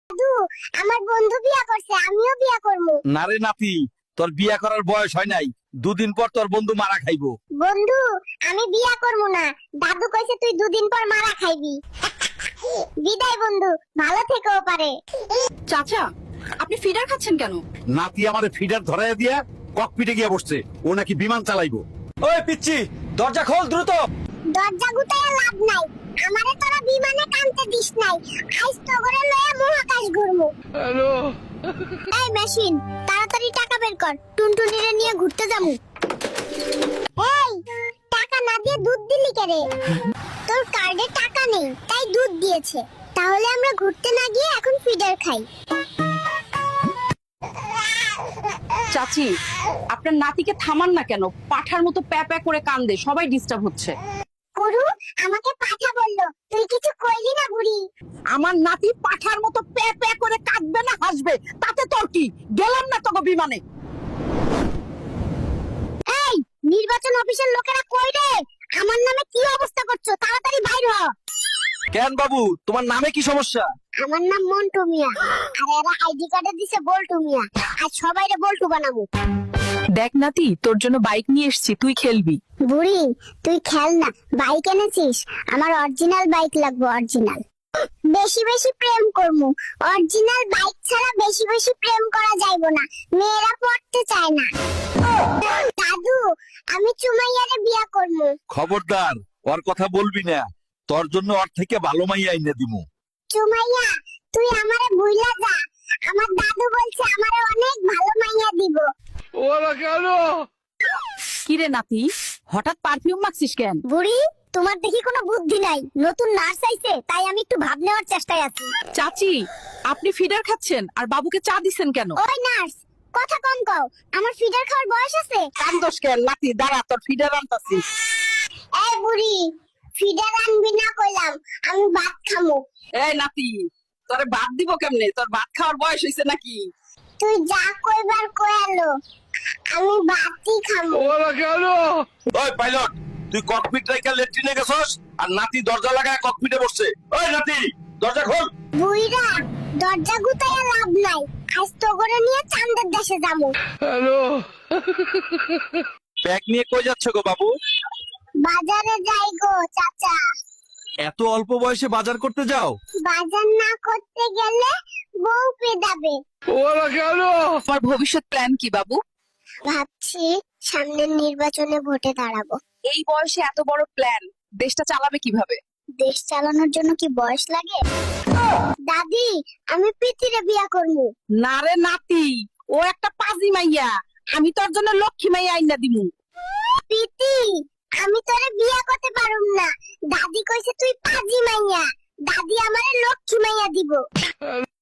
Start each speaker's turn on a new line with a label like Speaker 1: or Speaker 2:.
Speaker 1: দাদু, আমার বন্ধু বিয়া করছে, আমিও বিয়া করব।
Speaker 2: না রে নাতি, তোর বিয়া করার বয়স হয় নাই। দুদিন পর তোর বন্ধু মারা খাইবো।
Speaker 1: বন্ধু, আমি বিয়া করব না। দাদু কইছে তুই দুদিন পর মারা খাইবি। বিদায় বন্ধু, ভালো থেকেও পারে।
Speaker 3: চাচা, আপনি ফিডার খাচ্ছেন কেন?
Speaker 2: নাতি আমাদের ফিডার ধরাইয়া দিয়া ককপিটে গিয়ে বসছে। ও নাকি বিমান চালাইবো।
Speaker 4: ওই পিচ্চি, দরজা খোল দ্রুত।
Speaker 1: দরজা গুতায় লাভ নাই। আমারে তোরা বিমানে কানতে দিস নাই। আইস তো করে লয়ে মহাকাশ ঘুরমু।
Speaker 4: হ্যালো।
Speaker 1: এই মেশিন, তাড়াতাড়ি টাকা বের কর। টুনটুনিরে নিয়ে ঘুরতে যামু। এই, টাকা না দিয়ে দুধ দিলি কেরে? তোর কার্ডে টাকা নেই, তাই দুধ দিয়েছে। তাহলে আমরা ঘুরতে না গিয়ে এখন ফিডার খাই।
Speaker 3: চাচি, আপনার নাতিকে থামান না কেন? পাঠার মতো প্যা প্যা করে কান্দে, সবাই ডিস্টার্ব হচ্ছে।
Speaker 1: গুরু আমাকে পাঠা বললো, তুই কিছু কইলি না বুড়ি?
Speaker 3: আমার নাতি পাঠার মতো প্যা প্যা করে কাঁদবে না হাসবে, তাতে তোর কি? গেলাম না তোকে বিমানে।
Speaker 1: এই, নির্বাচন অফিসের লোকেরা কই রে? আমার নামে কি অবস্থা করছো? তাড়াতাড়ি বাইর হ।
Speaker 4: কেন বাবু, তোমার নামে কি সমস্যা?
Speaker 1: আমার নাম মন্টু মিয়া, আর এরা আইডি কার্ডে দিছে বল্টু মিয়া। আজ সবাইরে বল্টু বানাবো।
Speaker 3: দেখ নাতি, তোর জন্য বাইক নিয়ে এসেছি, তুই খেলবি।
Speaker 1: বুড়ি, তুই খেল না। বাইক এনেছিস? আমার অরিজিনাল বাইক লাগবে, অরিজিনাল। বেশি বেশি প্রেম করমু। অরিজিনাল বাইক ছাড়া বেশি বেশি প্রেম করা যাইবো না। মেয়েরা পড়তে চায় না। দাদু, আমি চুমাইয়ারে বিয়া করমু।
Speaker 2: খবরদার, ওর কথা বলবি না। তোর জন্য ওর থেকে ভালো মাইয়া আইনা দিমু।
Speaker 1: চুমাইয়া, তুই আমারে ভুইলা যা। আমার দাদু বলছে আমারে অনেক ভালো মাইয়া দিব।
Speaker 4: ওরা কেন?
Speaker 3: কিরে নাতি, হঠাৎ পারফিউম মাখছিস কেন?
Speaker 1: বুড়ি, তোমার দেখি কোনো বুদ্ধি নাই। নতুন নার্স আইছে, তাই আমি একটু ভাব নেওয়ার চেষ্টায় আছি।
Speaker 3: চাচি, আপনি ফিডার খাচ্ছেন আর বাবুকে চা দিছেন কেন?
Speaker 1: ওই নার্স, কথা কম কও। আমার ফিডার খাওয়ার বয়স আছে?
Speaker 3: কান্দোস কেন নাতি? দাঁড়া, তোর ফিডার আনতাছি।
Speaker 1: এই বুড়ি, ফিডার আনবি না কইলাম, আমি ভাত খামু।
Speaker 3: এই নাতি, তোরে ভাত দিব কেমনে? তোর ভাত খাওয়ার বয়স হইছে নাকি?
Speaker 1: তুই যা কইবার কয়ালো, আমি ভাতই খামু।
Speaker 4: ওরা কেন?
Speaker 2: ওই পাইলট, তুই ককপিট রাইখা লেট্রিনে গেছস আর নাতি দরজা লাগায় ককপিটে বসছে। ওই নাতি, দরজা খোল।
Speaker 1: বুইরা, দরজা গুতাইয়া লাভ নাই। আজ তো করে নিয়ে চাঁদের দেশে যামু।
Speaker 4: হ্যালো।
Speaker 2: ব্যাগ নিয়ে কই যাচ্ছ গো বাবু?
Speaker 1: বাজারে যাই গো চাচা।
Speaker 2: এত অল্প বয়সে বাজার করতে যাও?
Speaker 1: বাজার না করতে গেলে বউ পেদাবে।
Speaker 4: ওরা কেন?
Speaker 3: তোমার ভবিষ্যৎ প্ল্যান কি বাবু?
Speaker 1: ভাবছি সামনের নির্বাচনে ভোটে দাঁড়াবো।
Speaker 3: এই বয়সে এত বড় প্ল্যান, দেশটা চালাবে কিভাবে?
Speaker 1: দেশ চালানোর জন্য কি বয়স লাগে? দাদি, আমি পিতিরে বিয়া করবো।
Speaker 3: না রে নাতি, ও একটা পাজি মাইয়া। আমি তোর জন্য লক্ষ্মী মাইয়া আইনা দিমু।
Speaker 1: পিতি, আমি তোরে বিয়া করতে পারুম না। দাদি কইছে তুই পাজি মাইয়া। দাদি আমারে লক্ষ্মী মাইয়া দিব।